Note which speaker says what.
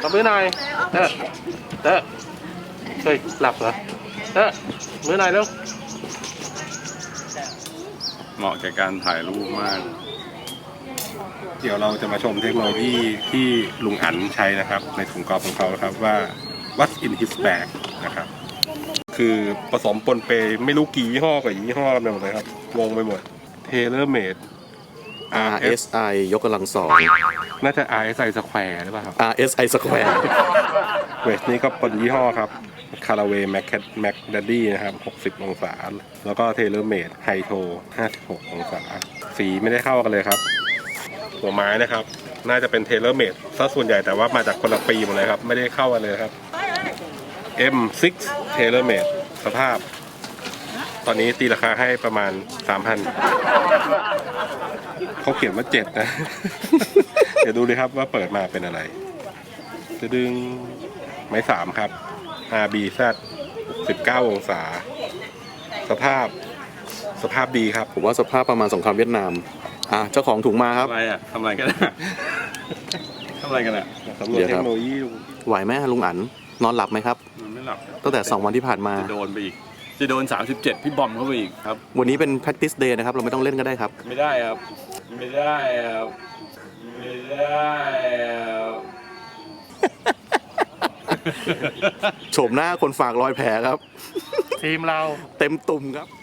Speaker 1: ขอมือหน่อยเฮ้ยหลับเหรอมือหน่อยเร็วเหมาะแก่การถ่ายรูปมากเดี๋ยวเราจะมาชมเทคโนโลยีที่ลุงอั๋นใช้นะครับในถุงกอล์ฟของเขาครับว่า what's in his bag นะครับคือผสมปนเปไม่รู้กี่ยี่ห้อกับยี่ห้อกันไปหมดเลยครับงงไปหมด TaylorMade
Speaker 2: RSI ยกกำลังสอง
Speaker 1: น่าจะ RSI Square หรือเปล่าครับ
Speaker 2: RSI Square
Speaker 1: เวสนี้ก็ปนยี่ห้อครับคาราเวย์แม็กดัดดี้นะครับ60องศาแล้วก็เทเลอร์เมดไฮโท56องศาสีไม่ได้เข้ากันเลยครับหัวไม้นะครับน่าจะเป็นเทเลอร์เมดซะส่วนใหญ่แต่ว่ามาจากคนละปีหมดเลยครับไม่ได้เข้ากันเลยครับ M6 เทเลอร์เมดสภาพตอนนี้ตีราคาให้ประมาณ 3,000 เขาเขียนว่า7นะ เดี๋ยวดูเลยครับว่าเปิดมาเป็นอะไรจะดึงไม้3ครับ RBZ 19องศาสภาพดีครับ
Speaker 2: ผมว่าสภาพประมาณสงครามเวียดนามเจ้าของถุงมาครับ
Speaker 1: อะไรอ่ะทำอะไรกันทำอะไรกันอ่ะสำรวจเทคโนโลยี
Speaker 2: ไหวไหมลุงอั๋นนอนหลับไหมครับ
Speaker 1: มันไม่หลับ
Speaker 2: ตั้งแต่2วันที่ผ่านมา
Speaker 1: จะโดนไปอีกจะโดน37พี่บอมเข้าไปอีกครับ
Speaker 2: วันนี้เป็น practice day นะครับเราไม่ต้องเล่นก็ได้ครับ
Speaker 1: ไม่ได้ครับไม่ได้ครับไม่ได้ครับ
Speaker 2: โฉมหน้าคนฝากรอยแผลครับ
Speaker 1: ทีมเรา
Speaker 2: เต็มตุ่มครับ